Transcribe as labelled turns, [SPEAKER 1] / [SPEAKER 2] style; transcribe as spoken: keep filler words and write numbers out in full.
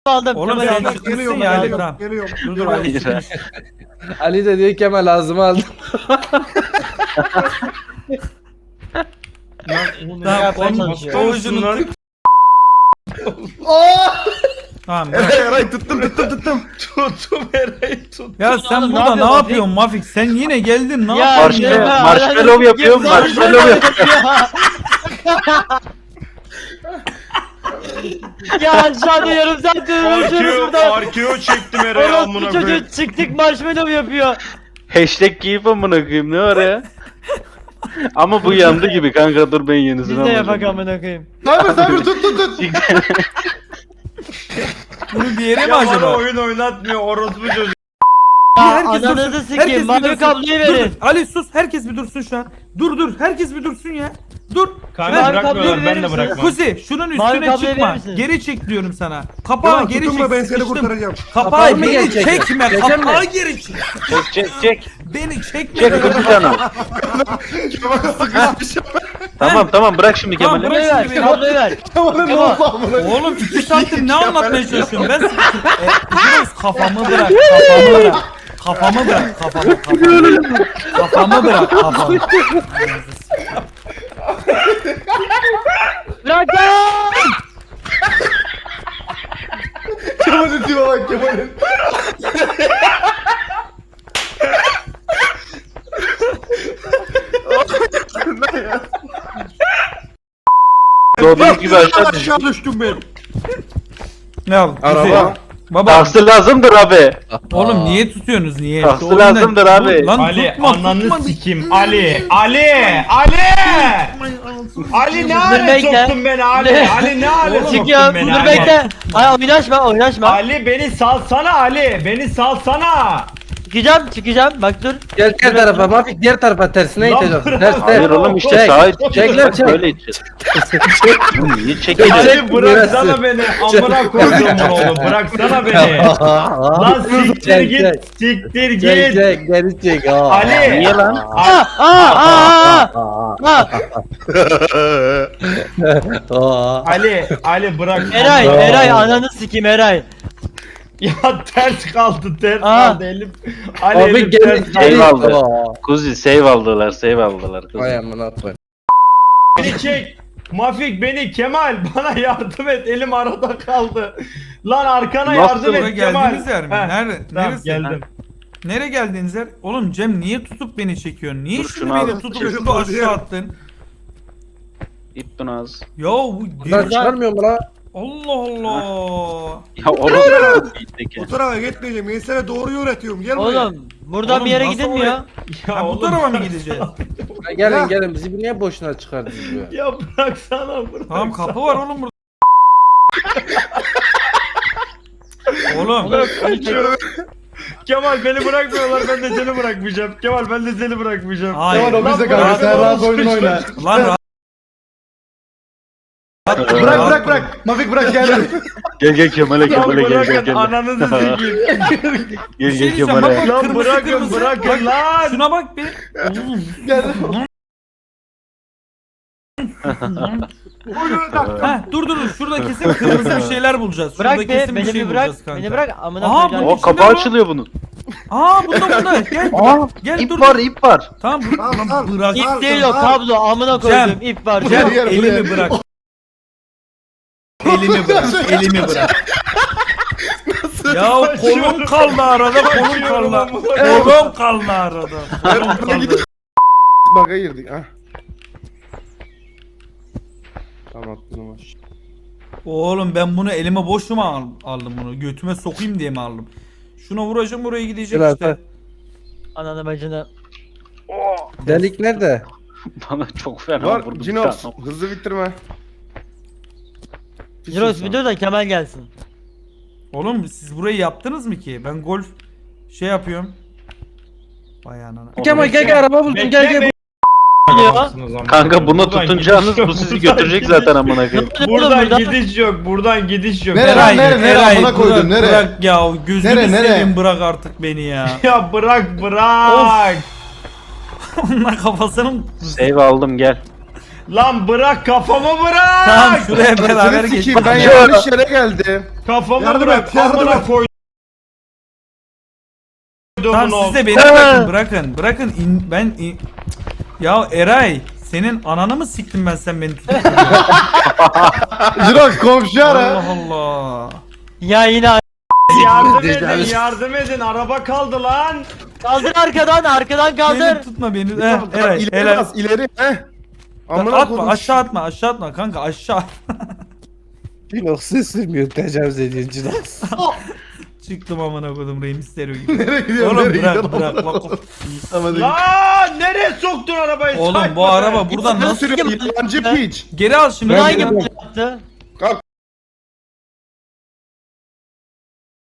[SPEAKER 1] aldım.
[SPEAKER 2] Oğlum
[SPEAKER 1] Kemal
[SPEAKER 2] sen
[SPEAKER 1] aldım.
[SPEAKER 2] çıkmışsın
[SPEAKER 3] Geliyorum,
[SPEAKER 2] ya Ali,
[SPEAKER 3] geliyorum,
[SPEAKER 2] tamam.
[SPEAKER 3] geliyorum.
[SPEAKER 2] Dur dur Ali çıkmış.
[SPEAKER 4] Ali de diyor Kemal ağzıma aldım.
[SPEAKER 2] Tamam
[SPEAKER 1] yapmaya
[SPEAKER 2] onun
[SPEAKER 1] çalışıyor?
[SPEAKER 2] ovucunu tık. Tamam bırak.
[SPEAKER 3] Eray Eray tuttum tuttum tuttum.
[SPEAKER 5] Tuttum Eray'ı tuttum.
[SPEAKER 2] Ya sen
[SPEAKER 1] oğlum, ne
[SPEAKER 2] burada ne
[SPEAKER 1] yapıyorsun
[SPEAKER 2] yapıyorsun Mafik? Sen yine geldin ne
[SPEAKER 1] Ya,
[SPEAKER 2] yapıyorsun
[SPEAKER 1] ya,
[SPEAKER 2] ya?
[SPEAKER 1] ya.
[SPEAKER 6] Marshmallow yapıyorum, marshmallow yapıyorum.
[SPEAKER 1] Ya aşağıda yarım saattir uğraşıyoruz
[SPEAKER 5] Arkeo,
[SPEAKER 1] burada.
[SPEAKER 5] arkeo çektim Eray'ı
[SPEAKER 1] Orospu
[SPEAKER 5] amına koyayım.
[SPEAKER 1] çocuğu çıktık marshmallow yapıyor.
[SPEAKER 6] Hashtag giyip amına koyayım ne var ya? Ama bu yandı gibi kanka, dur ben yenisini
[SPEAKER 1] Biz de yapak
[SPEAKER 6] alacağım.
[SPEAKER 1] amına koyayım.
[SPEAKER 3] Sabır sabır tut tut tut.
[SPEAKER 2] Bunu bir yere mi
[SPEAKER 5] Ya bana
[SPEAKER 2] acaba?
[SPEAKER 5] oyun oynatmıyor orospu çocuk.
[SPEAKER 1] Ya
[SPEAKER 2] Herkes dursun.
[SPEAKER 1] ananızı
[SPEAKER 2] Herkes
[SPEAKER 1] sikeyim.
[SPEAKER 2] bir
[SPEAKER 1] Mavi
[SPEAKER 2] dursun.
[SPEAKER 1] kabloyu
[SPEAKER 2] Dur,
[SPEAKER 1] verin.
[SPEAKER 2] dur. Ali sus, herkes bir dursun şu an. Dur dur, herkes bir dursun ya. Dur.
[SPEAKER 5] Kanka
[SPEAKER 1] Mavi
[SPEAKER 5] bırakmıyorlar,
[SPEAKER 1] kabloyu
[SPEAKER 5] ben
[SPEAKER 1] verir
[SPEAKER 5] de
[SPEAKER 1] misin?
[SPEAKER 5] bırakmam.
[SPEAKER 2] Kuzi şunun
[SPEAKER 1] Mavi
[SPEAKER 2] üstüne
[SPEAKER 1] kabloyu
[SPEAKER 2] çıkma.
[SPEAKER 1] verir misiniz?
[SPEAKER 2] Geri çek diyorum sana. Kapağı
[SPEAKER 3] Tamam
[SPEAKER 2] geri
[SPEAKER 3] tutunma
[SPEAKER 2] çek.
[SPEAKER 3] ben seni
[SPEAKER 2] sıkıştım.
[SPEAKER 3] kurtaracağım.
[SPEAKER 2] Kapağı
[SPEAKER 4] Kapağı mı
[SPEAKER 2] beni
[SPEAKER 4] gelecek?
[SPEAKER 2] çekme.
[SPEAKER 4] Çekeceğim
[SPEAKER 2] Kapağı
[SPEAKER 4] mi?
[SPEAKER 2] geri çek.
[SPEAKER 6] Çek çek çek.
[SPEAKER 2] Beni çekme.
[SPEAKER 6] Çek kuzu canım. Tamam tamam bırak şimdi
[SPEAKER 2] Tamam,
[SPEAKER 6] Kemal'i.
[SPEAKER 2] bırak.
[SPEAKER 1] Kabloyu ver. Kabloyu ver.
[SPEAKER 3] Tamam ne oldu amına?
[SPEAKER 2] Oğlum iki saattir ne anlatmaya çalışıyorum ben? E, Yunus kafamı bırak. Kafamı bırak. Kafamı bırak. Kafamı. Kafamı, kafamı bırak. Kafamı.
[SPEAKER 1] Bırak lan.
[SPEAKER 3] Kemal'in tipe bak Kemal'in.
[SPEAKER 6] Doğduğunuz gibi aşağı düş.
[SPEAKER 3] Aşağı düştüm ben.
[SPEAKER 2] Ne al?
[SPEAKER 4] Araba.
[SPEAKER 2] Baba.
[SPEAKER 6] Taksi lazımdır abi.
[SPEAKER 2] Oğlum niye tutuyorsunuz niye?
[SPEAKER 6] Taksi
[SPEAKER 2] Şu oyunda-
[SPEAKER 6] lazımdır abi.
[SPEAKER 2] Dur Lan
[SPEAKER 5] Ali
[SPEAKER 2] tutma,
[SPEAKER 5] ananı
[SPEAKER 2] tutma.
[SPEAKER 5] sikim. Ali, Ali, Ali. Ali ne hale
[SPEAKER 1] bekle.
[SPEAKER 5] soktun beni Ali?
[SPEAKER 1] Ne?
[SPEAKER 5] Ali ne hale soktun
[SPEAKER 1] Çıkıyor.
[SPEAKER 5] beni
[SPEAKER 1] Dur
[SPEAKER 5] Ali?
[SPEAKER 1] bekle. Ay oynaşma oynaşma.
[SPEAKER 5] Ali beni salsana Ali. Beni salsana.
[SPEAKER 1] Çıkacağım çıkacağım. Bak dur.
[SPEAKER 4] Gel diğer tarafa Mafik, diğer tarafa tersine
[SPEAKER 5] Lan
[SPEAKER 4] iteceğiz.
[SPEAKER 5] bırak.
[SPEAKER 4] Ters ters.
[SPEAKER 6] Hayır oğlum işte
[SPEAKER 4] Çek,
[SPEAKER 6] sağa
[SPEAKER 4] çek
[SPEAKER 6] iteceğiz.
[SPEAKER 4] lan, çek.
[SPEAKER 6] Böyle iteceğiz. Oğlum niye çekiyorsun?
[SPEAKER 4] Çek.
[SPEAKER 5] Ali bıraksana beni. Amına koyduğumun oğlu. Bıraksana beni. Lan siktir
[SPEAKER 4] Çek,
[SPEAKER 5] git.
[SPEAKER 4] çek.
[SPEAKER 5] Siktir
[SPEAKER 4] Çek
[SPEAKER 5] git.
[SPEAKER 4] çek geri çek. Aa.
[SPEAKER 5] Ali.
[SPEAKER 6] Niye lan?
[SPEAKER 1] Aa aa aa aa.
[SPEAKER 4] Aa.
[SPEAKER 5] Ali, Ali bırak.
[SPEAKER 1] Eray
[SPEAKER 4] Aa.
[SPEAKER 1] Eray ananı sikeyim Eray.
[SPEAKER 5] Ya ters kaldı, ters
[SPEAKER 1] Aa.
[SPEAKER 5] kaldı elim. Ali
[SPEAKER 4] Abi
[SPEAKER 5] elim
[SPEAKER 4] geri
[SPEAKER 5] ters
[SPEAKER 4] geri.
[SPEAKER 5] kaldı.
[SPEAKER 6] Save aldı.
[SPEAKER 4] Aa.
[SPEAKER 6] Kuzi save aldılar, save aldılar. Kuzi.
[SPEAKER 4] Vay amına koyayım.
[SPEAKER 5] Beni çek. Mafik beni, Kemal bana yardım et, elim arada kaldı. Lan arkana
[SPEAKER 6] Nasıl?
[SPEAKER 5] yardım
[SPEAKER 2] Buraya
[SPEAKER 5] et Kemal.
[SPEAKER 2] geldiğiniz yer mi?
[SPEAKER 5] Heh,
[SPEAKER 2] Nerede?
[SPEAKER 5] Tamam
[SPEAKER 2] Neresi?
[SPEAKER 5] geldim.
[SPEAKER 2] Nereye geldiğiniz yer? Oğlum Cem niye tutup beni çekiyorsun? Niye
[SPEAKER 6] Dur,
[SPEAKER 2] şunu
[SPEAKER 6] şunu
[SPEAKER 2] beni
[SPEAKER 6] al.
[SPEAKER 2] tutup
[SPEAKER 3] Çocuk
[SPEAKER 2] şunu
[SPEAKER 3] oldu ya.
[SPEAKER 2] aşağı attın?
[SPEAKER 6] İp tunaz.
[SPEAKER 2] Ya bu
[SPEAKER 4] Buradan
[SPEAKER 2] geri...
[SPEAKER 4] çıkarmıyor mu lan?
[SPEAKER 2] Allah Allah.
[SPEAKER 6] Ya oğlum. İtteki.
[SPEAKER 3] Bu tarafa gitmeyeceğim. Ben sana doğruyu öğretiyorum. Gel buraya.
[SPEAKER 1] Oğlum buradan
[SPEAKER 2] Oğlum,
[SPEAKER 1] bir yere
[SPEAKER 2] nasıl
[SPEAKER 1] gidilmiyor.
[SPEAKER 2] oraya-
[SPEAKER 5] Ya
[SPEAKER 2] Ha, bu
[SPEAKER 5] oğlum,
[SPEAKER 2] tarafa mı
[SPEAKER 5] bırak-
[SPEAKER 2] gideceğiz?
[SPEAKER 4] Ha, gelin gelin bizi niye boşuna çıkardınız buraya?
[SPEAKER 5] Ya bıraksana bırak.
[SPEAKER 2] Tamam kapı var oğlum burada. Oğlum.
[SPEAKER 5] Kemal beni bırakmıyorlar, ben de seni bırakmayacağım. Kemal ben de seni bırakmayacağım.
[SPEAKER 2] Hayır.
[SPEAKER 3] Kemal o
[SPEAKER 5] Lan
[SPEAKER 3] bizde
[SPEAKER 5] bırak,
[SPEAKER 3] kaldı. Sen
[SPEAKER 5] bırak,
[SPEAKER 3] rahat
[SPEAKER 5] bırak.
[SPEAKER 3] oyun oyna.
[SPEAKER 2] Lan rahat.
[SPEAKER 3] Bırak bırak bırak. Mafik bırak gel.
[SPEAKER 6] Gel gel Kemal'e
[SPEAKER 5] Lan
[SPEAKER 6] Kemal'e gel gel
[SPEAKER 5] bırakın
[SPEAKER 6] gel.
[SPEAKER 5] ananızı sikeyim.
[SPEAKER 6] Gel
[SPEAKER 2] Bir şey
[SPEAKER 6] gel
[SPEAKER 2] diyeceğim,
[SPEAKER 6] Kemal'e.
[SPEAKER 2] bak, bak.
[SPEAKER 5] Lan
[SPEAKER 2] Kırmızı,
[SPEAKER 5] bırakın
[SPEAKER 2] kırmızı.
[SPEAKER 5] bırakın lan.
[SPEAKER 2] Şuna bak bir.
[SPEAKER 3] Gel.
[SPEAKER 2] Ha dur dur dur. Şurada kesin kırmızı bir şeyler bulacağız. Şurada
[SPEAKER 1] Bırak be
[SPEAKER 2] kesin bir
[SPEAKER 1] beni
[SPEAKER 2] şey
[SPEAKER 1] bir bırak.
[SPEAKER 2] bulacağız kanka.
[SPEAKER 1] Beni bırak amına
[SPEAKER 2] Aha,
[SPEAKER 1] koyacağım.
[SPEAKER 2] bu-
[SPEAKER 6] O kapağı açılıyor bunun.
[SPEAKER 2] Aa bunda bunda. Gel.
[SPEAKER 6] Aa
[SPEAKER 2] Gel
[SPEAKER 6] ip
[SPEAKER 2] dur.
[SPEAKER 6] var ip var.
[SPEAKER 2] Tamam dur.
[SPEAKER 3] Al,
[SPEAKER 2] Lan
[SPEAKER 3] al.
[SPEAKER 2] bırak.
[SPEAKER 1] İp
[SPEAKER 3] Al,
[SPEAKER 1] değil o
[SPEAKER 3] al.
[SPEAKER 1] kablo amına koydum ip var.
[SPEAKER 2] Cem
[SPEAKER 3] Buraya, buraya.
[SPEAKER 2] elimi bırak. Elimi bırak. Elimi bırak. Ya kolum kaldı arada kolum kaldı. Kolum kaldı arada. Kolum kaldı.
[SPEAKER 3] Baka girdik ha. Tamam tamam.
[SPEAKER 2] Oğlum ben bunu elime boş mu al- aldım bunu? Götüme sokayım diye mi aldım? Şuna vuracağım oraya gidecek
[SPEAKER 4] Gel
[SPEAKER 2] işte.
[SPEAKER 4] Alper.
[SPEAKER 1] Ananı bacını.
[SPEAKER 4] Delik nerede?
[SPEAKER 6] Bana çok fena
[SPEAKER 3] Var
[SPEAKER 6] vurdu.
[SPEAKER 3] Cinos. Hızlı bitirme.
[SPEAKER 1] Jiros bir dur da Kemal gelsin.
[SPEAKER 2] Oğlum siz burayı yaptınız mı ki? Ben golf şey yapıyorum. Vay anana.
[SPEAKER 4] Kemal gel gel araba buldum gel gel.
[SPEAKER 1] Geliyor.
[SPEAKER 6] Kanka buna
[SPEAKER 5] Buradan
[SPEAKER 6] tutunacağınız
[SPEAKER 5] gidiş yok,
[SPEAKER 6] bu sizi
[SPEAKER 5] buradan
[SPEAKER 6] götürecek
[SPEAKER 5] gidiş
[SPEAKER 6] zaten amına koyayım.
[SPEAKER 5] Buradan
[SPEAKER 1] Buradan-
[SPEAKER 5] gidiş yok, buradan gidiş yok.
[SPEAKER 3] Nereye?
[SPEAKER 2] Eray,
[SPEAKER 3] nere, nere,
[SPEAKER 2] Eray,
[SPEAKER 3] amına koydun,
[SPEAKER 2] bırak,
[SPEAKER 3] nere?
[SPEAKER 2] Bırak ya gözünü
[SPEAKER 3] Nere, nere?
[SPEAKER 2] seveyim bırak artık beni ya.
[SPEAKER 5] Ya bırak bırak.
[SPEAKER 2] Onlar kafasının...
[SPEAKER 6] Save aldım gel.
[SPEAKER 5] Lan bırak kafamı bırak.
[SPEAKER 2] Tamam şuraya beraber
[SPEAKER 3] Seni
[SPEAKER 2] geç.
[SPEAKER 3] sikeyim ben yanlış yere geldim.
[SPEAKER 5] Kafamı
[SPEAKER 3] Yardım
[SPEAKER 5] bırak.
[SPEAKER 3] et, yardım
[SPEAKER 5] Amına
[SPEAKER 3] et.
[SPEAKER 5] koydum
[SPEAKER 2] Tamam
[SPEAKER 5] onu.
[SPEAKER 2] siz de beni bırakın bırakın bırakın in, ben in... Ya Eray senin ananı mı siktim ben sen beni tutuyorsun?
[SPEAKER 3] Jirox komşu ara.
[SPEAKER 2] Allah Allah.
[SPEAKER 1] Ya yine
[SPEAKER 5] Yardım
[SPEAKER 4] Tecavüz.
[SPEAKER 5] edin yardım edin araba kaldı lan.
[SPEAKER 1] kaldır arkadan arkadan kaldır.
[SPEAKER 2] Beni tutma beni. Heh, Eray
[SPEAKER 3] ileri
[SPEAKER 2] Eray.
[SPEAKER 3] bas ileri. Heh. Amına
[SPEAKER 2] Atma
[SPEAKER 3] koydum.
[SPEAKER 2] aşağı atma aşağı atma kanka aşağı.
[SPEAKER 4] Jirox sürmüyor tecavüz ediyorsun Jirox.
[SPEAKER 2] Çıktım amına koydum Rey Mysterio gibi.
[SPEAKER 3] Nereye gidiyorsun?
[SPEAKER 2] Oğlum
[SPEAKER 3] Nereye
[SPEAKER 2] bırak
[SPEAKER 3] gidiyorsun?
[SPEAKER 2] bırak bak.
[SPEAKER 3] Tamam, hadi.
[SPEAKER 5] Lan nereye soktun arabayı?
[SPEAKER 2] Oğlum bu
[SPEAKER 5] Sayma be.
[SPEAKER 2] araba buradan
[SPEAKER 3] Nasıl
[SPEAKER 2] nasıl
[SPEAKER 3] sürüyor? Yalancı piç.
[SPEAKER 2] geri al şimdi.
[SPEAKER 1] Bunu
[SPEAKER 4] Ben
[SPEAKER 1] hangi
[SPEAKER 4] geliyorum.
[SPEAKER 1] yaptı?